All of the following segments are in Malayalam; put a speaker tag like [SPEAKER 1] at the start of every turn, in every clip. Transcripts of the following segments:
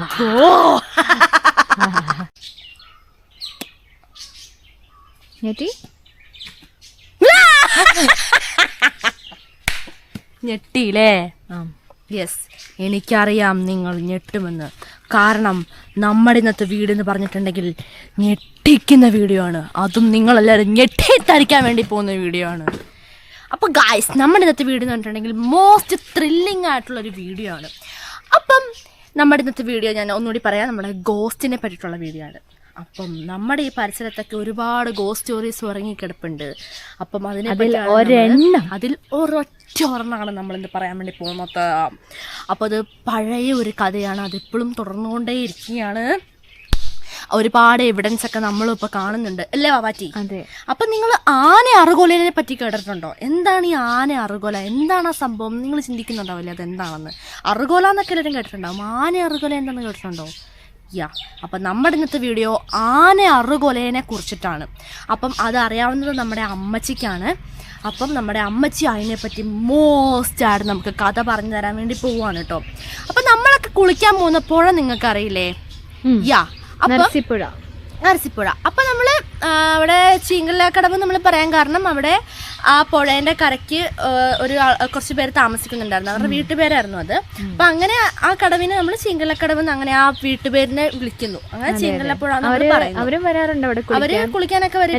[SPEAKER 1] ഞെട്ടിയില്ലേ? യെസ്, എനിക്കറിയാം നിങ്ങൾ ഞെട്ടുമെന്ന്. കാരണം നമ്മുടെ ഇന്നത്തെ വീഡിയോ എന്ന് പറഞ്ഞിട്ടുണ്ടെങ്കിൽ ഞെട്ടിക്കുന്ന വീഡിയോ ആണ്. അതും നിങ്ങളെല്ലാവരും ഞെട്ടിത്തരിക്കാൻ വേണ്ടി പോകുന്ന വീഡിയോ ആണ്. അപ്പോൾ ഗായ്സ്, നമ്മുടെ ഇന്നത്തെ വീഡിയോ എന്ന് പറഞ്ഞിട്ടുണ്ടെങ്കിൽ മോസ്റ്റ് ത്രില്ലിംഗ് ആയിട്ടുള്ളൊരു വീഡിയോ ആണ്. അപ്പം നമ്മുടെ ഇന്നത്തെ വീഡിയോ ഞാൻ ഒന്നുകൂടി പറയാം, നമ്മുടെ ഗോസ്റ്റിനെ പറ്റിയിട്ടുള്ള വീഡിയോ ആണ്. അപ്പം നമ്മുടെ ഈ പരിസരത്തൊക്കെ ഒരുപാട് ഗോസ്റ്റ് സ്റ്റോറീസ് ഉറങ്ങിക്കിടപ്പുണ്ട്. അപ്പം അതിൽ ഒരൊറ്റ ഒരെണ്ണമാണ് നമ്മളിന്ന് പറയാൻ വേണ്ടി പോകുന്നത്. അപ്പോൾ അത് പഴയ ഒരു കഥയാണ്, അതിപ്പോഴും തുടർന്നുകൊണ്ടേ ഇരിക്കുകയാണ്. ഒരുപാട് എവിഡൻസ് ഒക്കെ നമ്മളും ഇപ്പൊ കാണുന്നുണ്ട് അല്ലേ വാവാറ്റി?
[SPEAKER 2] അതെ.
[SPEAKER 1] അപ്പൊ നിങ്ങൾ ആന അറുകോലനെ പറ്റി കേട്ടിട്ടുണ്ടോ? എന്താണ് ഈ ആന അറുകോല? എന്താണ് ആ സംഭവം? നിങ്ങൾ ചിന്തിക്കുന്നുണ്ടാവില്ലേ അതെന്താണെന്ന്? അറുകോല എന്നൊക്കെ എല്ലാവരും കേട്ടിട്ടുണ്ടാവും. ആന അറുകോല എന്താണെന്ന് കേട്ടിട്ടുണ്ടോ? അപ്പം നമ്മുടെ ഇന്നത്തെ വീഡിയോ ആന അറുകൊലേനെ കുറിച്ചിട്ടാണ്. അപ്പം അതറിയാവുന്നത് നമ്മുടെ അമ്മച്ചിക്കാണ്. അപ്പം നമ്മുടെ അമ്മച്ചി അതിനെപ്പറ്റി മോസ്റ്റായിട്ട് നമുക്ക് കഥ പറഞ്ഞു തരാൻ വേണ്ടി പോവാണ് കേട്ടോ. അപ്പം നമ്മളൊക്കെ കുളിക്കാൻ പോകുന്ന പുഴ നിങ്ങൾക്കറിയില്ലേ? നരസിപ്പുഴ. അപ്പം നമ്മൾ അവിടെ ചീങ്കലക്കടവ് നമ്മൾ പറയാൻ കാരണം അവിടെ ആ പുഴേൻ്റെ കരയ്ക്ക് കുറച്ച് പേര് താമസിക്കുന്നുണ്ടായിരുന്നു. അവരുടെ വീട്ടുപേരായിരുന്നു അത്. അപ്പം അങ്ങനെ ആ കടവിനെ നമ്മൾ ചീങ്കലക്കടവ് എന്ന് അങ്ങനെ ആ വീട്ടുപേരിനെ വിളിക്കുന്നു. അങ്ങനെ ചീങ്കലപ്പുഴ
[SPEAKER 2] അവര് വരാറുണ്ട്.
[SPEAKER 1] അവര് കുളിക്കാനൊക്കെ വരും.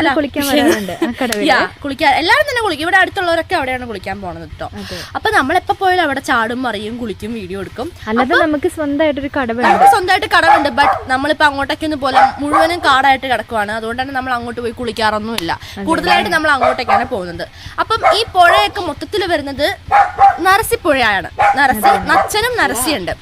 [SPEAKER 1] കുളിക്കാൻ എല്ലാവരും തന്നെ കുളിക്കും. ഇവിടെ അടുത്തുള്ളവരൊക്കെ അവിടെയാണ് കുളിക്കാൻ പോണത് കേട്ടോ. അപ്പൊ നമ്മളെപ്പോ പോയാലും അവിടെ ചാടും, മറിയും, കുളിക്കും, വീഡിയോ എടുക്കും.
[SPEAKER 2] അല്ലാതെ നമുക്ക് സ്വന്തമായിട്ട്
[SPEAKER 1] കടവുണ്ട്. ബട്ട് നമ്മളിപ്പോ അങ്ങോട്ടേക്കൊന്നും പോലെ മുഴുവനും കാടായിട്ട് കിടക്കുവാണ്. അതുകൊണ്ടാണ് നമ്മൾ അങ്ങോട്ട് പോയി കുളിക്കാറൊന്നുമില്ല. കൂടുതലായിട്ട് നമ്മൾ അങ്ങോട്ടേക്കാണ് പോകുന്നത്. അപ്പം ഈ പുഴയൊക്കെ മൊത്തത്തിൽ വരുന്നത് നരസിപ്പുഴയാണ്. നച്ചനും നരസിയുണ്ട്.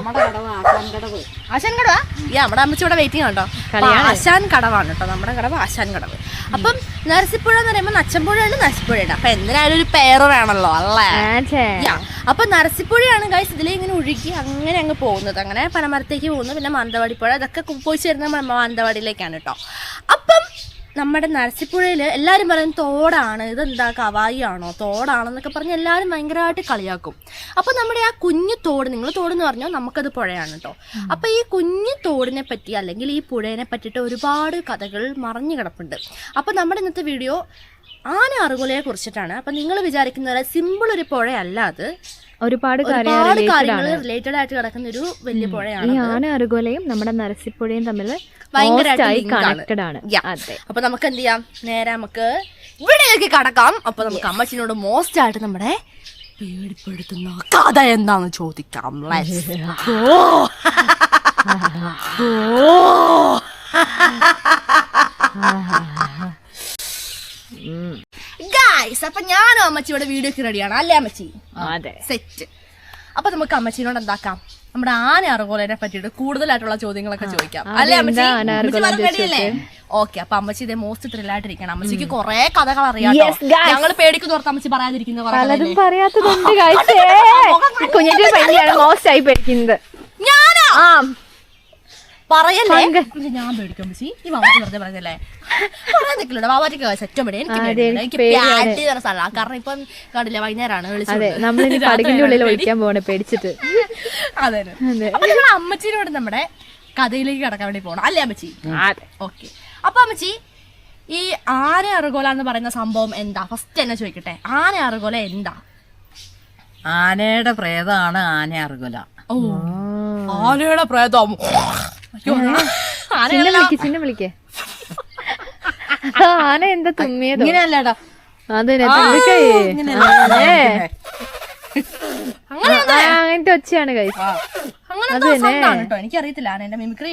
[SPEAKER 1] ആശാൻ കടവാ? നമ്മുടെ അമ്മച്ചി ഇവിടെ വെയിറ്റിംഗ് കേട്ടോ. ആശാൻ കടവാണ് കേട്ടോ നമ്മുടെ കടവ്, ആശാൻ കടവ്. അപ്പം നരസിപ്പുഴ എന്ന് പറയുമ്പോൾ നച്ചമ്പുഴയുണ്ട്, നരസിപ്പുഴയുണ്ട്. അപ്പൊ എന്തിനായാലും ഒരു പേര് വേണമല്ലോ അല്ലേ? അപ്പൊ നരസിപ്പുഴയാണ് ഗൈസ് ഇതിലെ ഇങ്ങനെ ഒഴുകി അങ്ങനെ അങ്ങ് പോകുന്നത്. അങ്ങനെ പനമരത്തേക്ക് പോകുന്നു. പിന്നെ മാനന്തവാടി പുഴ ഇതൊക്കെ പോയി ചേരുന്ന മാനന്തവാടിയിലേക്കാണ് കേട്ടോ. അപ്പം നമ്മുടെ നരസിപ്പുഴയിൽ എല്ലാവരും പറയും തോടാണ്, ഇതെന്താ കവായി ആണോ തോടാണെന്നൊക്കെ പറഞ്ഞ് എല്ലാവരും ഭയങ്കരമായിട്ട് കളിയാക്കും. അപ്പോൾ നമ്മുടെ ആ കുഞ്ഞു തോട്, നിങ്ങൾ തോടെന്ന് പറഞ്ഞാൽ നമുക്കത് പുഴയാണ് കേട്ടോ. അപ്പോൾ ഈ കുഞ്ഞു തോടിനെ പറ്റി അല്ലെങ്കിൽ ഈ പുഴയെ പറ്റിയിട്ട് ഒരുപാട് കഥകൾ മറഞ്ഞു കിടപ്പുണ്ട്. അപ്പോൾ നമ്മുടെ ഇന്നത്തെ വീഡിയോ ആന അറുകൊലയെ കുറിച്ചിട്ടാണ്. അപ്പം നിങ്ങൾ വിചാരിക്കുന്ന സിമ്പിൾ ഒരു പുഴയല്ല, അത്
[SPEAKER 2] ഒരുപാട്
[SPEAKER 1] കാര്യങ്ങൾ റിലേറ്റഡ് ആയിട്ട് കിടക്കുന്ന ഒരു വലിയ പുഴയാണ്.
[SPEAKER 2] ഈ ആന അറുകൊലയും നമ്മുടെ നരസിപ്പുഴയും തമ്മിൽ ഭയങ്കരമായിട്ട് കണക്റ്റഡ് ആണ്.
[SPEAKER 1] അപ്പൊ നമുക്ക് എന്ത് ചെയ്യാം, നേരെ നമുക്ക് ഇവിടേക്ക് കടക്കാം. അപ്പൊ നമുക്ക് അമ്മച്ചിനോട് മോസ്റ്റ് ആയിട്ട് നമ്മുടെ പേടിപ്പെടുത്തുന്ന കഥ എന്താന്ന് ചോദിക്കാം. ഗായ്സ്, അപ്പൊ ഞാനും അമ്മച്ചിയുടെ വീഡിയോക്ക് റെഡിയാണ് അല്ലേ അമ്മച്ചി?
[SPEAKER 2] അതെ,
[SPEAKER 1] സെറ്റ്. അപ്പൊ നമുക്ക് അമ്മച്ചിനോട് എന്താക്കാം, നമ്മുടെ ആന അറുകോലനെ പറ്റിയിട്ട് കൂടുതലായിട്ടുള്ള ചോദ്യങ്ങളൊക്കെ ചോദിക്കാം അല്ലേ അമ്മച്ചി? റെഡിയല്ലേ? ഓക്കെ. അപ്പൊ അമ്മച്ചി ഇതേ മോസ്റ്റ് ത്രില്ലായിട്ടിരിക്കണം. അമ്മച്ചിക്ക് കുറെ കഥകൾ അറിയാം. ഞങ്ങൾ പേടിക്കുന്ന ഓർത്ത് അമ്മച്ചി പറയാതിരിക്കുന്ന ഞാനാ പറയല്ലേ? ഞാൻ പേടിക്കും അമ്മച്ചി, ഈ വാവാറ്റി വെറുതെ പറഞ്ഞല്ലേ? പറയാൻ നിൽക്കില്ല, വാവാറ്റിക്ക് സെറ്റോ പേടി. എനിക്ക് സ്ഥലമാണ്. കാരണം ഇപ്പം കണ്ടില്ല, വൈകുന്നേരമാണ് വിളിച്ചത്. അതെ. അപ്പൊ നമ്മൾ അമ്മച്ചിനോട് നമ്മുടെ കഥയിലേക്ക് കടക്കാൻ വേണ്ടി പോകണം അല്ലേ അമ്മച്ചി? ഓക്കെ. അപ്പൊ അമ്മച്ചി, ഈ ആന അറുകോല എന്ന് പറയുന്ന സംഭവം എന്താ? ഫസ്റ്റ് തന്നെ ചോദിക്കട്ടെ, ആന അറുകോല എന്താ?
[SPEAKER 3] ആനയുടെ പ്രേതമാണ് ആന അറുകോല.
[SPEAKER 1] ഓ, ആനയുടെ പ്രേതം.
[SPEAKER 2] ആന എന്താ തുമ്മിയത്?
[SPEAKER 3] ഇങ്ങനെയല്ലേടാ?
[SPEAKER 2] അങ്ങനത്തെ ഒച്ചയാണ് കഴിച്ചു.
[SPEAKER 1] എനിക്കറിയത്തില്ല ആനേന്റെ മിമിക്രി.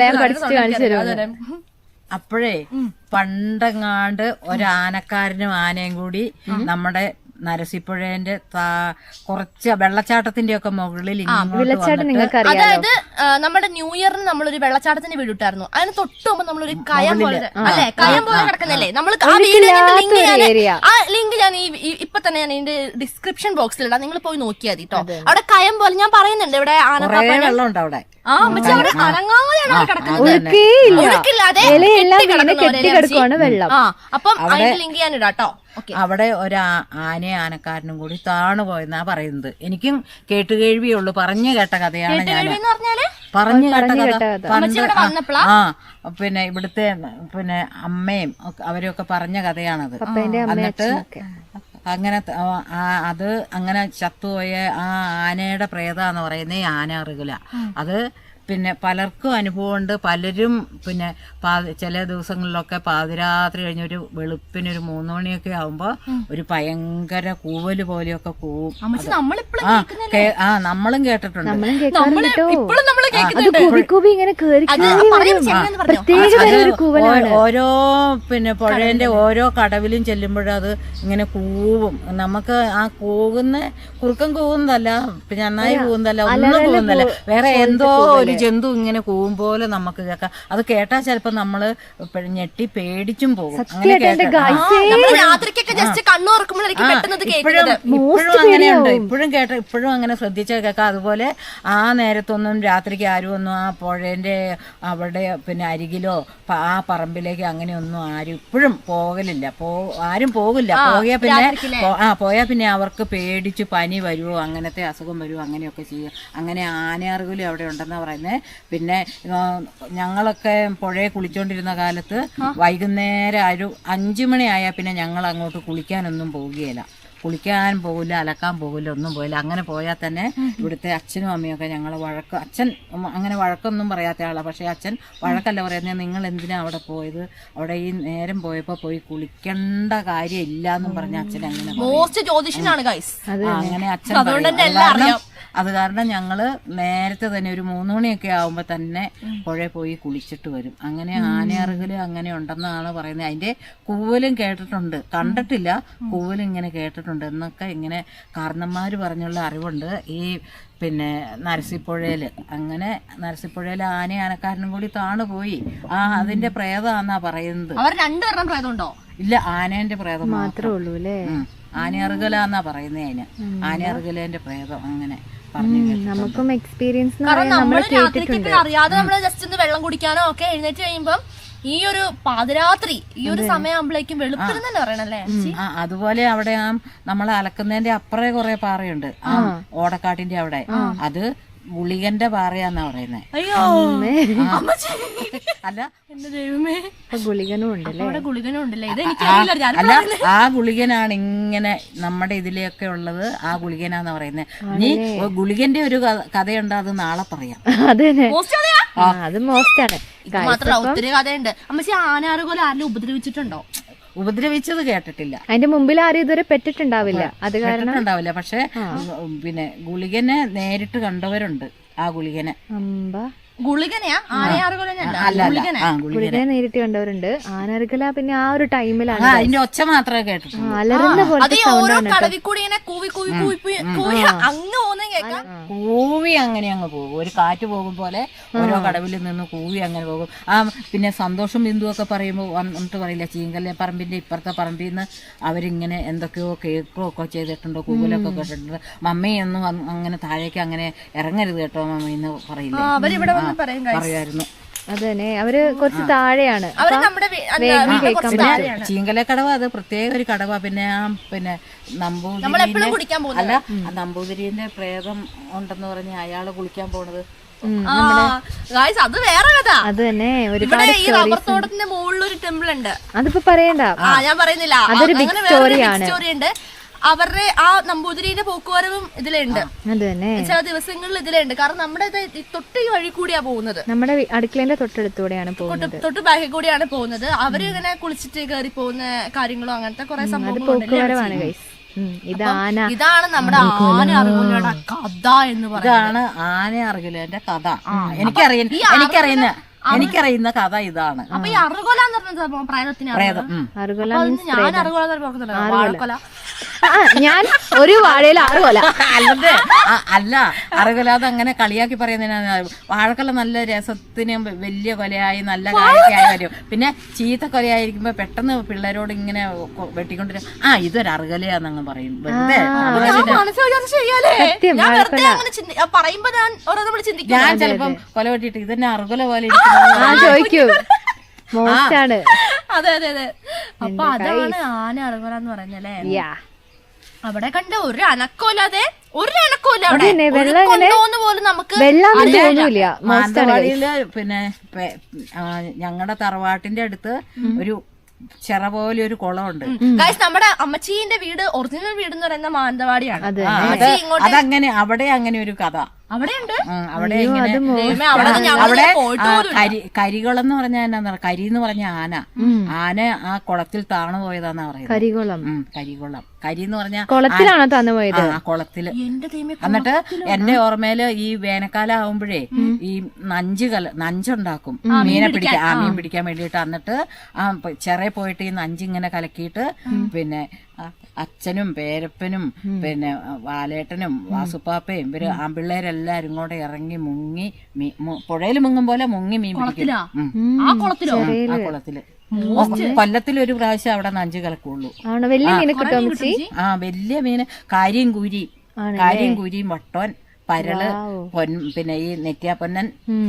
[SPEAKER 3] അപ്പോഴേ പണ്ടെങ്ങാണ്ട് ഒരാനക്കാരനും ആനയും കൂടി നമ്മുടെ നരസിപ്പുഴേന്റെ കുറച്ച് വെള്ളച്ചാട്ടത്തിന്റെ ഒക്കെ മുകളിൽ
[SPEAKER 1] അതായത് നമ്മുടെ ന്യൂ ഇയറിന് നമ്മളൊരു വെള്ളച്ചാട്ടത്തിന്റെ വീട് ഇട്ടായിരുന്നു. അതിന് തൊട്ടുമ്പോ നമ്മളൊരു കയം പോലെ അല്ലെ, കയം പോലെ കിടക്കുന്നല്ലേ നമ്മൾ ആ ലിങ്ക് ഞാൻ ഇപ്പൊ തന്നെ ഞാൻ ഇതിന്റെ ഡിസ്ക്രിപ്ഷൻ ബോക്സിൽ ഇടാം, നിങ്ങൾ പോയി നോക്കിയാൽ മതി കേട്ടോ. അവിടെ കയം പോലെ ഞാൻ പറയുന്നുണ്ട്, ഇവിടെ
[SPEAKER 3] വെള്ളമുണ്ട് അവിടെ.
[SPEAKER 1] ആ പക്ഷെ അവിടെ അനങ്ങാതെയാണ് കിടക്കുന്നത്. അപ്പം അതിന്റെ ലിങ്ക് ഞാൻ ഇടാം കേട്ടോ.
[SPEAKER 3] അവിടെ ഒരു ആനയും ആനക്കാരനും കൂടി താണു പോയെന്നാ പറയുന്നത്. എനിക്കും കേട്ടുകേഴ്വിയുള്ളൂ, പറഞ്ഞു കേട്ട കഥയാണ് ഞാൻ, പറഞ്ഞു കേട്ട കഥ. പണ്ട് പിന്നെ ഇവിടുത്തെ പിന്നെ അമ്മയും അവരൊക്കെ പറഞ്ഞ കഥയാണത്. എന്നിട്ട് അങ്ങനെ അത് അങ്ങനെ ചത്തുപോയ ആ ആനയുടെ പ്രേതാന്ന് പറയുന്നത് ആന അറിയില്ല. അത് പിന്നെ പലർക്കും അനുഭവമുണ്ട്. പലരും പിന്നെ ചില ദിവസങ്ങളിലൊക്കെ പാതിരാത്രി കഴിഞ്ഞൊരു വെളുപ്പിനൊരു 3 മണിയൊക്കെ ആവുമ്പോ ഒരു ഭയങ്കര കൂവല് പോലെയൊക്കെ കൂവും. നമ്മളും കേട്ടിട്ടുണ്ട്. ഓരോ പിന്നെ പുഴേന്റെ ഓരോ കടവിലും ചെല്ലുമ്പോഴത് ഇങ്ങനെ കൂവും. നമുക്ക് ആ കുറുക്കം കൂവുന്നതല്ല, പിന്നെ നന്നായി കൂവുന്നതല്ല, ഒന്നും കൂവുന്നതല്ല, വേറെ എന്തോ ഒരു ജന്തു ഇങ്ങനെ കൂവും പോലെ നമുക്ക് കേൾക്കാം. അത് കേട്ടാൽ ചിലപ്പോ നമ്മള് ഞെട്ടി പേടിച്ചും പോകും. അങ്ങനെ ഇപ്പോഴും അങ്ങനെയുണ്ട്. ഇപ്പോഴും അങ്ങനെ ശ്രദ്ധിച്ചാൽ കേൾക്കാം. അതുപോലെ ആ നേരത്തൊന്നും രാത്രിക്ക് ആരും ഒന്നും ആ പുഴേന്റെ അവിടെ പിന്നെ അരികിലോ ആ പറമ്പിലേക്ക് അങ്ങനെയൊന്നും ആരും ഇപ്പോഴും പോകലില്ല. ആരും പോകില്ല. പോയാ പിന്നെ അവർക്ക് പേടിച്ച് പനി വരുമോ, അങ്ങനത്തെ അസുഖം വരുമോ, അങ്ങനെയൊക്കെ ചെയ്യും. അങ്ങനെ ആനയാറുകലും അവിടെ ഉണ്ടെന്നാ പറയുന്നത്. പിന്നെ ഞങ്ങളൊക്കെ പുഴയെ കുളിച്ചോണ്ടിരുന്ന കാലത്ത് വൈകുന്നേരം ഒരു 5 മണിയായാൽ പിന്നെ ഞങ്ങൾ അങ്ങോട്ട് കുളിക്കാനൊന്നും പോവുകയില്ല. കുളിക്കാൻ പോകില്ല, അലക്കാൻ പോകില്ല, ഒന്നും പോയില്ല. അങ്ങനെ പോയാൽ തന്നെ ഇവിടുത്തെ അച്ഛനും അമ്മയൊക്കെ ഞങ്ങളെ അച്ഛൻ അങ്ങനെ വഴക്കൊന്നും പറയാത്ത ആളാണ്. പക്ഷേ അച്ഛൻ വഴക്കല്ല പറയുന്നത്, നിങ്ങൾ എന്തിനാ അവിടെ പോയത്, അവിടെ ഈ നേരം പോയപ്പോൾ പോയി കുളിക്കേണ്ട കാര്യം ഇല്ല എന്നും പറഞ്ഞ അച്ഛൻ അങ്ങനെ അങ്ങനെ അച്ഛൻ അത് കാരണം ഞങ്ങള് നേരത്തെ തന്നെ ഒരു 3 മണിയൊക്കെ ആവുമ്പോ തന്നെ പുഴയിൽ പോയി കുളിച്ചിട്ട് വരും. അങ്ങനെ ആനയറുകല് അങ്ങനെ ഉണ്ടെന്നാണ് പറയുന്നത്. അതിന്റെ കൂവലും കേട്ടിട്ടുണ്ട്, കണ്ടിട്ടില്ല, കൂവലും ഇങ്ങനെ കേട്ടിട്ടുണ്ട് എന്നൊക്കെ ഇങ്ങനെ കാരണന്മാര് പറഞ്ഞുള്ള അറിവുണ്ട്. ഈ പിന്നെ നരസിപ്പുഴയില് അങ്ങനെ നരസിപ്പുഴയില് ആനക്കാരനും കൂടി താണുപോയി. അതിന്റെ പ്രേതമാന്നാ പറയുന്നത്. ഇല്ല, ആനേന്റെ പ്രേതം മാത്രമേ ഉള്ളൂ അല്ലേ. ആനയറുകലാന്നാ പറയുന്നേ അതിന്, ആനയറുകലേന്റെ പ്രേതം അങ്ങനെ.
[SPEAKER 2] നമുക്കും എക്സ്പീരിയൻസ്
[SPEAKER 1] അറിയാതെ നമ്മള് ജസ്റ്റ് ഒന്ന് വെള്ളം കുടിക്കാനോ ഒക്കെ എഴുന്നേറ്റ് കഴിയുമ്പം ഈ ഒരു പാതിരാത്രി ഈ ഒരു സമയമാകുമ്പോഴേക്കും വെളുപ്പിന് തന്നെ പറയണല്ലേ.
[SPEAKER 3] അതുപോലെ അവിടെ നമ്മളെ അലക്കുന്നതിന്റെ അപ്പുറേ കുറെ പാറയുണ്ട്, ഓടക്കാട്ടിന്റെ അവിടെ. അത് ഗുളികന്റെ പാറയാന്നാ പറയുന്നേ.
[SPEAKER 1] അയ്യോ
[SPEAKER 3] അല്ല,
[SPEAKER 1] എന്റെ ദൈവമേ,
[SPEAKER 2] ഗുളികനും ഉണ്ടല്ലേ.
[SPEAKER 3] അല്ല, ആ ഗുളികനാണ് ഇങ്ങനെ നമ്മുടെ ഇതിലെയൊക്കെ ഉള്ളത്. ആ ഗുളികനാന്ന് പറയുന്നത്. ഇനി ഗുളികന്റെ ഒരു കഥയുണ്ട്, അത് നാളെ പറയാം.
[SPEAKER 2] അത് മോസ്റ്റാണ്.
[SPEAKER 1] മാത്രമല്ല ഒത്തിരി കഥയുണ്ട്. അമ്മച്ചി ആനാറുപോലെ ആരെങ്കിലും ഉപദ്രവിച്ചിട്ടുണ്ടോ?
[SPEAKER 3] ഉപദ്രവിച്ചത് കേട്ടിട്ടില്ല.
[SPEAKER 2] അതിന്റെ മുമ്പിൽ ആരും ഇതുവരെ പെട്ടിട്ടുണ്ടാവില്ല. അത് കാരണം
[SPEAKER 3] ഉണ്ടാവില്ല. പക്ഷെ പിന്നെ ഗുളികനെ നേരിട്ട് കണ്ടവരുണ്ട്. ആ ഗുളികനെ
[SPEAKER 2] ഗുളികനെ നേരിട്ട് കണ്ടവരുണ്ട്. ആനറുകല പിന്നെ ആ ഒരു ടൈമിലാണ്
[SPEAKER 3] അതിന്റെ ഒച്ച മാത്രമേ കേട്ടിട്ടുള്ളൂ.
[SPEAKER 2] അലറുന്ന പോലത്തെ
[SPEAKER 3] കൂവി അങ്ങനെ അങ്ങ് പോകും. ഒരു കാറ്റ് പോകും പോലെ ഓരോ കടവിൽ നിന്ന് കൂവി അങ്ങനെ പോകും. പിന്നെ സന്തോഷം ബിന്ദു ഒക്കെ പറയുമ്പോൾ വന്നിട്ട് പറയില്ല, ചീങ്കല്ലെ പറമ്പിന്റെ ഇപ്പുറത്തെ പറമ്പിൽ നിന്ന് അവരിങ്ങനെ എന്തൊക്കെയോ കേക്കോ ഒക്കെ ചെയ്തിട്ടുണ്ടോ, കൂവലൊക്കെ കേട്ടിട്ടുണ്ട്. മമ്മിയൊന്നും അങ്ങനെ താഴേക്ക് അങ്ങനെ ഇറങ്ങരുത് കേട്ടോ മമ്മി എന്ന് പറയില്ല, പറയായിരുന്നു.
[SPEAKER 2] അതന്നെ, അവര് കുറച്ച് താഴെയാണ്.
[SPEAKER 3] ചീങ്കല കടവ അത് പ്രത്യേക ഒരു കടവ. പിന്നെ പിന്നെ നമ്പൂതിരിന്റെ പ്രേതം ഉണ്ടെന്ന് പറഞ്ഞ് അയാള് കുളിക്കാൻ പോണത്
[SPEAKER 1] അത് വേറെ കഥ.
[SPEAKER 2] അത് തന്നെ
[SPEAKER 1] ഈ റബ്ബർ തോട്ടത്തിന്റെ മുകളിലൊരു ടെമ്പിൾ ഉണ്ട്.
[SPEAKER 2] അതിപ്പോ പറയണ്ട,
[SPEAKER 1] ഞാൻ പറയുന്നില്ല.
[SPEAKER 2] അതൊരു ബിഗ് സ്റ്റോറി ഉണ്ട്.
[SPEAKER 1] അവരുടെ ആ നമ്പൂതിരിയുടെ പോക്കുവരവും ഇതിലുണ്ട്. ചില ദിവസങ്ങളിൽ ഇതിലുണ്ട്. കാരണം നമ്മുടെ തൊട്ട് ഈ വഴി കൂടിയാ പോകുന്നത്,
[SPEAKER 2] നമ്മുടെ അടുക്കളേന്റെ തൊട്ടടുത്തൂടെയാണ് പോകുന്നത്,
[SPEAKER 1] തൊട്ട് ബാക്കിൽ കൂടിയാണ് പോകുന്നത്. അവര് ഇങ്ങനെ കുളിച്ചിട്ട് കയറി പോകുന്ന കാര്യങ്ങളോ അങ്ങനത്തെ കുറെ സംഭവങ്ങളുണ്ട്. ഇതാണ് നമ്മുടെ ആന അറുകലയുടെ കഥ എന്ന് പറയുന്നത്.
[SPEAKER 3] ഇതാണ് ആന അറുകലന്റെ കഥ. എനിക്കറിയുന്ന കഥ ഇതാണ്.
[SPEAKER 1] അപ്പൊ ഈ അറുകൊല എന്ന് പറഞ്ഞ പ്രേതത്തിന് ഞാൻ അറുകൊല
[SPEAKER 2] ഞാൻ ഒരു വാഴയിൽ 6 കൊല
[SPEAKER 3] അല്ല, അറുകൊല അതങ്ങനെ കളിയാക്കി പറയുന്നതിനാ. വാഴക്കൊല നല്ല രസത്തിന് വലിയ കൊലയായി നല്ല കായൊക്കെയായി വരും. പിന്നെ ചീത്ത കൊലയായിരിക്കുമ്പോ പെട്ടെന്ന് പിള്ളേരോട് ഇങ്ങനെ വെട്ടിക്കൊണ്ടിരും, ഇതൊരു അറുകലയാന്നങ്ങ് പറയും. ഞാൻ ചിലപ്പം കൊല വെട്ടിട്ട് ഇതന്നെ അറുകൊല പോലെ
[SPEAKER 2] ചോദിക്കൂ.
[SPEAKER 1] അതെ അതെ അതെ. അപ്പൊ അതാണ് ആന അറുകോല എന്ന് പറയുന്നല്ലേ.
[SPEAKER 2] യാ
[SPEAKER 1] അവിടെ കണ്ട ഒരു അനക്കമില്ലാതെ അവിടെ
[SPEAKER 2] അതന്നെ,
[SPEAKER 1] ഒരു
[SPEAKER 2] വെള്ളം ഇങ്ങനെ
[SPEAKER 1] കൊണ്ടോന്ന് പോലും നമുക്ക്
[SPEAKER 2] വെള്ളാന്ന് തോന്നൂല.
[SPEAKER 3] മാനന്തവാടിയില് പിന്നെ ഞങ്ങളുടെ തറവാട്ടിന്റെ അടുത്ത് ഒരു ചെറ പോലെ ഒരു കുളമുണ്ട്.
[SPEAKER 1] ഗൈസ് നമ്മുടെ അമ്മച്ചീന്റെ വീട് ഒറിജിനൽ വീട് എന്ന് പറയുന്ന മാനന്തവാടിയാണ്.
[SPEAKER 3] അതങ്ങനെ അവിടെ അങ്ങനെ ഒരു കഥ
[SPEAKER 1] അവിടെയുണ്ട്.
[SPEAKER 3] അവിടെ ഇങ്ങനെ അവിടെ കരികുളം എന്ന് പറഞ്ഞാൽ എന്നാ, കരി എന്ന് പറഞ്ഞ ആന ആ കുളത്തിൽ താണു പോയതാന്നാ പറയുന്നത്.
[SPEAKER 2] കരികുളം.
[SPEAKER 3] കരികുളം, കരി എന്ന് പറഞ്ഞ
[SPEAKER 2] കുളത്തിലാണോ താന്നു പോയത്?
[SPEAKER 3] ആ കുളത്തില്. എന്നിട്ട് എന്റെ ഓർമ്മയില് ഈ വേനൽക്കാലം ആവുമ്പോഴേ ഈ നഞ്ചുണ്ടാക്കും മീനെ പിടിക്കാൻ, മീൻ പിടിക്കാൻ വേണ്ടിട്ട്. എന്നിട്ട് ആ ചെറിയ പോയിട്ട് ഈ നഞ്ചിങ്ങനെ കലക്കിയിട്ട് പിന്നെ അച്ഛനും പേരപ്പനും പിന്നെ വാലേട്ടനും വാസുപ്പാപ്പയും ഇവര് ആമ്പിള്ളേരെല്ലാരും കൂടെ ഇറങ്ങി മുങ്ങി പുഴയിൽ മുങ്ങും പോലെ മുങ്ങി മീൻ പിടിക്കും. ആ കുളത്തില് കൊല്ലത്തിലൊരു പ്രാവശ്യം അവിടെ നഞ്ച് കലക്കുള്ളൂ.
[SPEAKER 2] വലിയ മീനെ കിട്ടും.
[SPEAKER 3] ആ വലിയ മീന് കാരിയും കൂരിയും വട്ടോൻ, പരള്, പിന്നെ ഈ നെറ്റിയാപ്പൊന്നൻ,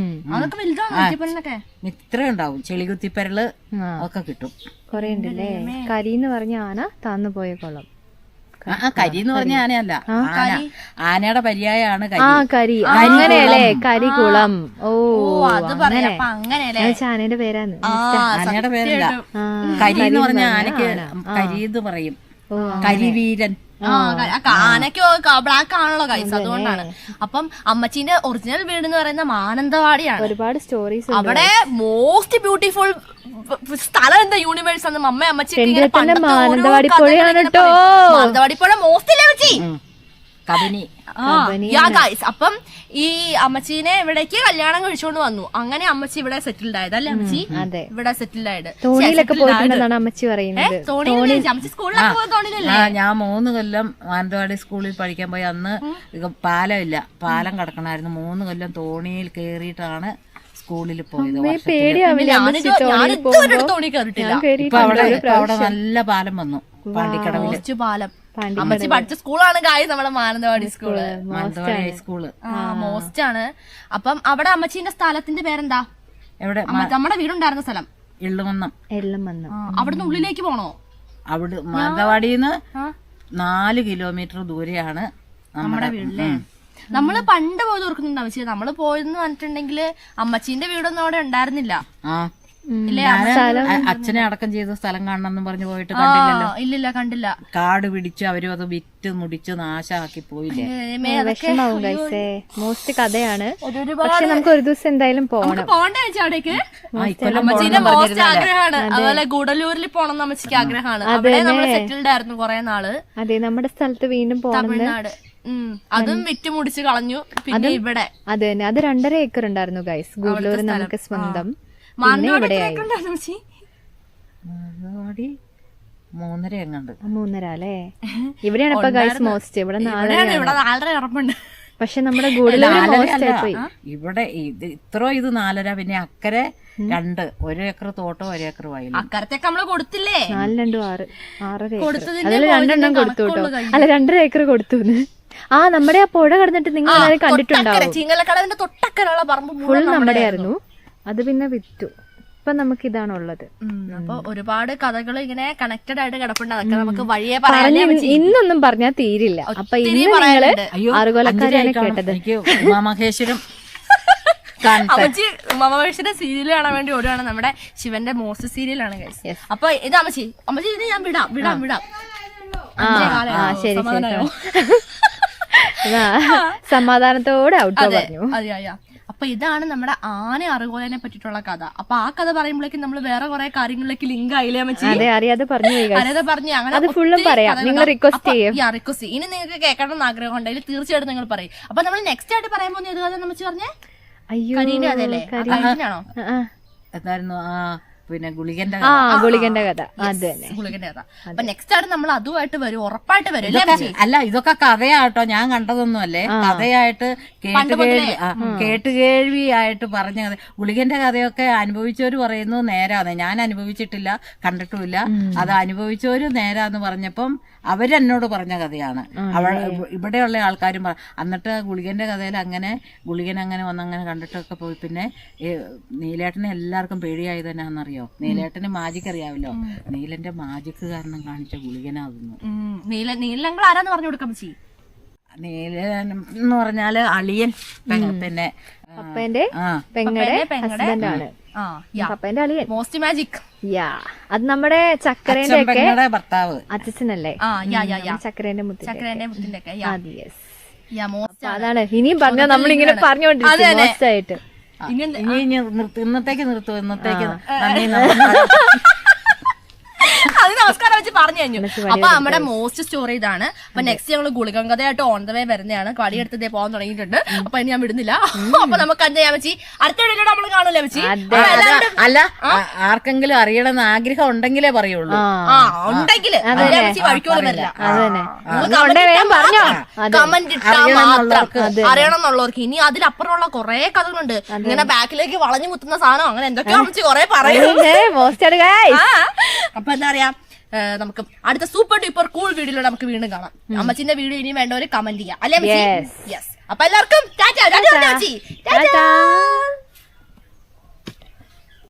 [SPEAKER 3] ഇത്ര ഉണ്ടാവും. ചെളികുത്തിപ്പരള് ഒക്കെ കിട്ടും.
[SPEAKER 2] കൊറേ ഉണ്ടല്ലേ. കരിന്ന് പറഞ്ഞ ആന താന്നു പോയ കുളം.
[SPEAKER 3] കരി എന്ന് പറഞ്ഞ ആനയല്ല, ആനയുടെ പര്യായാണ്
[SPEAKER 2] കരി. അങ്ങനെയല്ലേ, കരികുളം. ഓ
[SPEAKER 1] അങ്ങനെ
[SPEAKER 2] ആനയുടെ പേരാണ്.
[SPEAKER 3] ആനയുടെ പേരല്ല, കരി എന്ന് പറഞ്ഞ ആനക്ക് കരി എന്ന് പറയും. കരിവീരൻ.
[SPEAKER 1] ആനയ്ക്ക് ബ്ലാക്ക് ആണല്ലോ ഗൈസ്, അതുകൊണ്ടാണ്. അപ്പം അമ്മച്ചീന്റെ ഒറിജിനൽ വീട് എന്ന് പറയുന്ന മാനന്തവാടിയാണ്.
[SPEAKER 2] ഒരുപാട് സ്റ്റോറീസ്
[SPEAKER 1] അവിടെ മോസ്റ്റ് ബ്യൂട്ടിഫുൾ സ്ഥലം എന്താ യൂണിവേഴ്സ് ആണ്. അമ്മച്ചി
[SPEAKER 2] മാനന്തവാടി പുഴയാണ് കേട്ടോ.
[SPEAKER 1] മാനന്തവാടി പുഴ മോസ്റ്റ് ഇല്ലേ അമ്മച്ചി?
[SPEAKER 3] കബനി.
[SPEAKER 1] അപ്പം ഈ അമ്മച്ചീനെ ഇവിടേക്ക് കല്യാണം കഴിച്ചുകൊണ്ട് വന്നു. അങ്ങനെ അമ്മച്ചി ഇവിടെ സെറ്റിൽഡ് ആയത് അല്ലേ അമ്മച്ചി? ഇവിടെ സെറ്റിൽഡ് ആയത്.
[SPEAKER 2] തോണിയിലൊക്കെ പോയിട്ടുണ്ടെന്നാണ് അമ്മച്ചി പറയുന്നത്.
[SPEAKER 1] അമ്മച്ചി സ്കൂളിലൊക്കെ പോയ തോണിയിലല്ലേ?
[SPEAKER 3] ഞാൻ 3 കൊല്ലം മാനന്തവാടി സ്കൂളിൽ പഠിക്കാൻ പോയി. അന്ന് പാലമില്ല, പാലം കിടക്കണമായിരുന്നു. 3 കൊല്ലം തോണിയിൽ കേറിയിട്ടാണ് സ്കൂളിൽ പോയത്. ഇപ്പൊ അവിടെ നല്ല പാലം വന്നു, പാണ്ടിക്കടവില്
[SPEAKER 1] പാലം. അമ്മച്ചി പഠിച്ച സ്കൂളാണ് ഗായ്സ് നമ്മുടെ മാനന്തവാടി സ്കൂള്.
[SPEAKER 3] മാനന്തവാടി ഹൈസ്കൂള്
[SPEAKER 1] മോസ്റ്റ് ആണ്. അപ്പം അവിടെ അമ്മച്ചീന്റെ സ്ഥലത്തിന്റെ പേരെന്താ?
[SPEAKER 3] എവിടെ?
[SPEAKER 1] നമ്മുടെ വീടുണ്ടായിരുന്ന സ്ഥലം
[SPEAKER 3] എള്ളുമന്നം.
[SPEAKER 1] അവിടുന്ന് ഉള്ളിലേക്ക് പോണോ?
[SPEAKER 3] അവിടെ മാനന്തവാടിന്ന് 4 കിലോമീറ്റർ ദൂരെയാണ്
[SPEAKER 1] നമ്മുടെ വീട്ടിലെ. നമ്മള് പണ്ട് പോയത് ഓർക്കുന്നുണ്ട് അമ്മച്ചി. നമ്മള് പോയെന്ന് പറഞ്ഞിട്ടുണ്ടെങ്കില് അമ്മച്ചീന്റെ വീടൊന്നും അവിടെ ഉണ്ടായിരുന്നില്ല.
[SPEAKER 3] അച്ഛനെ അടക്കം ചെയ്ത സ്ഥലം കാണണം പറഞ്ഞു പോയിട്ട് കണ്ടില്ലല്ലോ.
[SPEAKER 1] ഇല്ലില്ല, കണ്ടില്ല.
[SPEAKER 3] കാട് പിടിച്ച് അവരും അത് വിറ്റ് മുടിച്ച് നാശാക്കി പോയില്ലേ.
[SPEAKER 2] വിഷമാവും ഗൈസേ. മോസ്റ്റ് കഥയാണ്. പക്ഷെ നമുക്ക് ഒരു ദിവസം എന്തായാലും പോകണം.
[SPEAKER 1] പോകണ്ടേ അവിടേക്ക്? അമ്മച്ചീന്റെ മോസ്റ്റ് ആഗ്രഹമാണ്. അതുപോലെ ഗുഡലൂരിൽ പോണം അമ്മച്ചിക്ക് ആഗ്രഹമാണ്. അവിടെ നമ്മൾ സെറ്റിൽഡ് ആയിരുന്നു കുറെ നാള്.
[SPEAKER 2] അതെ, നമ്മുടെ സ്ഥലത്ത് വീണ്ടും പോകണം.
[SPEAKER 1] തമിഴ്നാട്. അതും വിറ്റ് മുടിച്ച് കളഞ്ഞു. പിന്നെ ഇവിടെ
[SPEAKER 2] അത് തന്നെ, അത് 2.5 ഏക്കർ ഉണ്ടായിരുന്നു ഗൈസ്. ഗുഡലൂർ നമുക്ക് സ്വന്തം.
[SPEAKER 3] മാനന്തവാടി 3.5 എങ്ങാണ്ട്.
[SPEAKER 2] 3.5 അല്ലേ? ഇവിടെയാണ് ഇപ്പൊ ഗൈസ് മോസ്റ്റ്. ഇവിടെ
[SPEAKER 1] 4.5 ഉറപ്പുണ്ട്.
[SPEAKER 2] പക്ഷെ നമ്മുടെ ഗുഡലൂർ മോസ്റ്റ് പോയി.
[SPEAKER 3] ഇവിടെ ഇത്ര 4.5. പിന്നെ അക്കരെ 2, 1 ഏക്കർ തോട്ടം, 1 ഏക്കർ വയലും.
[SPEAKER 1] അക്കരത്തേക്ക് നമ്മള് കൊടുത്തില്ലേ?
[SPEAKER 2] 4, 2, 6 ഏക്കർ. അതിൽ 2 കൊടുത്തു കേട്ടോ. അല്ല, 2.5 ഏക്കർ കൊടുത്തു. നമ്മുടെ ആ പുഴ കടന്നിട്ട് നിങ്ങൾ എല്ലാവരും കണ്ടിട്ടുണ്ടാവും.
[SPEAKER 1] ചിങ്ങലക്കടവിന്റെ തൊട്ടക്കരയുള്ള പറമ്പ്
[SPEAKER 2] ഫുൾ നമ്മുടെ ആയിരുന്നു. അത് പിന്നെ വിറ്റു. ഇപ്പൊ നമുക്ക് ഇതാണുള്ളത്.
[SPEAKER 1] അപ്പൊ ഒരുപാട് കഥകൾ ഇങ്ങനെ കണക്റ്റഡ് ആയിട്ട് കിടപ്പുണ്ട്. അതൊക്കെ നമുക്ക് വഴിയെ പറയാം.
[SPEAKER 2] ഇന്നൊന്നും പറഞ്ഞാൽ തീരില്ല. അപ്പൊ ഇന്ന് നിങ്ങള് ആറുകൊലക്കാരെയാണ് കേട്ടത്.
[SPEAKER 3] ഉമാമഹേശ്വരം
[SPEAKER 1] അമ്മച്ചി ഉമാമഹേശ്വരം സീരിയൽ കാണാൻ വേണ്ടി ഓടുകയാണ്. നമ്മുടെ ശിവന്റെ മോസ്റ്റ് സീരിയലാണ് ഗൈസ്. അപ്പൊ ഇത് അമ്മച്ചി ഇത് ഞാൻ വിടാം.
[SPEAKER 2] ശരി, സമാധാനത്തോടെ ഔട്ടോ പറഞ്ഞു.
[SPEAKER 1] അതെയാ. അപ്പൊ ഇതാണ് നമ്മുടെ ആന അറുകോലനെ പറ്റിയിട്ടുള്ള കഥ. അപ്പൊ ആ കഥ പറയുമ്പോഴേക്കും നമ്മൾ വേറെ കുറെ കാര്യങ്ങളിലേക്ക് ലിങ്ക് ആയില്ലേ അമ്മച്ചി?
[SPEAKER 2] അറിയാതെ പറഞ്ഞു.
[SPEAKER 1] അങ്ങനെ
[SPEAKER 2] ഫുള്ളും പറയാം. നിങ്ങൾ റിക്വസ്റ്റ്
[SPEAKER 1] റിക്വസ്റ്റ് ഇനി നിങ്ങൾക്ക് കേൾക്കണം എന്ന് ആഗ്രഹം ഉണ്ടെങ്കിൽ തീർച്ചയായിട്ടും നിങ്ങൾ പറയും. അപ്പൊ നമ്മൾ നെക്സ്റ്റ് ആയിട്ട് പറയാൻ പോകുന്ന ഏത് കഥ അമ്മച്ചി പറഞ്ഞേ? കരീന്റെ കഥയല്ലേ? കരീനാണോ?
[SPEAKER 3] എന്തായിരുന്നു? പിന്നെ ഗുളികന്റെ
[SPEAKER 2] കഥ. അത് തന്നെ,
[SPEAKER 1] ഗുളികന്റെ കഥ. അപ്പൊ നെക്സ്റ്റ് ആയിട്ട് നമ്മൾ അതുമായിട്ട് വരും, ഉറപ്പായിട്ട് വരും.
[SPEAKER 3] അല്ല, ഇതൊക്കെ കഥയാട്ടോ, ഞാൻ കണ്ടതൊന്നും അല്ലേ. കഥയായിട്ട് കേട്ടുകേഴ്വിയായിട്ട് പറഞ്ഞ കഥ. ഗുളികന്റെ കഥയൊക്കെ അനുഭവിച്ചവര് പറയുന്നു നേരാന്ന്. ഞാൻ അനുഭവിച്ചിട്ടില്ല, കണ്ടിട്ടുമില്ല. അത് അനുഭവിച്ചവര് നേരാന്ന് പറഞ്ഞപ്പം അവരെന്നോട് പറഞ്ഞ കഥയാണ്. ഇവിടെയുള്ള ആൾക്കാരും എന്നിട്ട് ഗുളികന്റെ കഥയിൽ ഗുളികൻ അങ്ങനെ വന്നങ്ങനെ കണ്ടിട്ടൊക്കെ പോയി. പിന്നെ നീലേട്ടനെ എല്ലാവർക്കും പേടിയായത് തന്നെയാണെന്നറിയാം. അറിയോ? നീലേട്ടന് മാജിക് അറിയാമല്ലോ. നീലന്റെ മാജിക് കാരണം കാണിച്ച ഗുളികനാകുന്നു.
[SPEAKER 1] നീലങ്ങൾ ആരാന്ന് പറഞ്ഞു കൊടുക്കാം ചേച്ചി?
[SPEAKER 3] നീലൻ എന്ന് പറഞ്ഞാല് അളിയൻ, പിന്നെ
[SPEAKER 2] പപ്പേന്റെ പെങ്ങടെ ഹസ്ബൻഡാണ്. പപ്പേന്റെ അളിയൻ.
[SPEAKER 1] Most magic.
[SPEAKER 2] യാ, അത് നമ്മുടെ ചക്കരേന്റെ ഒക്കെ
[SPEAKER 3] ഭർത്താവ്,
[SPEAKER 2] അച്ഛനല്ലേ? ചക്കരേന്റെ മുത്തിന്റെ ഒക്കെ. അതാണ് ഇനിയും പറഞ്ഞ നമ്മളിങ്ങനെ പറഞ്ഞോണ്ടിരിക്കും മോശമായിട്ട്.
[SPEAKER 3] ഇന്നത്തേക്ക് നിർത്തും. ഇന്നത്തേക്ക്
[SPEAKER 1] അത് നമസ്കാരം വെച്ച് പറഞ്ഞു കഴിഞ്ഞു. അപ്പൊ നമ്മുടെ മോസ്റ്റ് സ്റ്റോറി ഇതാണ്. അപ്പൊ നെക്സ്റ്റ് ഞങ്ങൾ ഗുളികം കഥയായിട്ട് ഓൺ ദ വേ വരുന്നതാണ്. വടിയെടുത്തതേ പോകാൻ തുടങ്ങിയിട്ടുണ്ട്. അപ്പൊ ഇനി ഞാൻ വിടുന്നില്ല. അപ്പൊ നമുക്ക് എന്താ ചെയ്യാൻ വെച്ചി അടുത്ത വീഡിയോയിലൂടെ നമ്മൾ കാണൂലേ വെച്ചി?
[SPEAKER 3] അല്ല, ആർക്കെങ്കിലും അറിയണമെന്ന് ആഗ്രഹം ഉണ്ടെങ്കിലേ പറയുള്ളൂ.
[SPEAKER 1] ഉണ്ടെങ്കില് വഴിക്കോലല്ല കമന്റ് ഇട്ടാ മാത്രം അറിയണം എന്നുള്ളവർക്ക്. ഇനി അതിലപ്പുറമുള്ള കുറെ കഥകളുണ്ട്. ഇങ്ങനെ ബാക്കിലേക്ക് വളഞ്ഞു മുത്തുന്ന സാധനം അങ്ങനെ എന്തൊക്കെയാ വെച്ച് കുറെ പറയുന്നത്. അപ്പൊ എന്താ പറയാ, നമുക്ക് അടുത്ത സൂപ്പർ ഡ്യൂപ്പർ കൂൾ വീഡിയോയിലൂടെ നമുക്ക് വീണ്ടും കാണാം. അമ്മച്ചിന്റെ വീഡിയോ ഇനിയും വേണ്ടവര് കമന്റ് ചെയ്യാം അല്ലേ? യെസ്. അപ്പൊ എല്ലാവർക്കും ടാറ്റാ.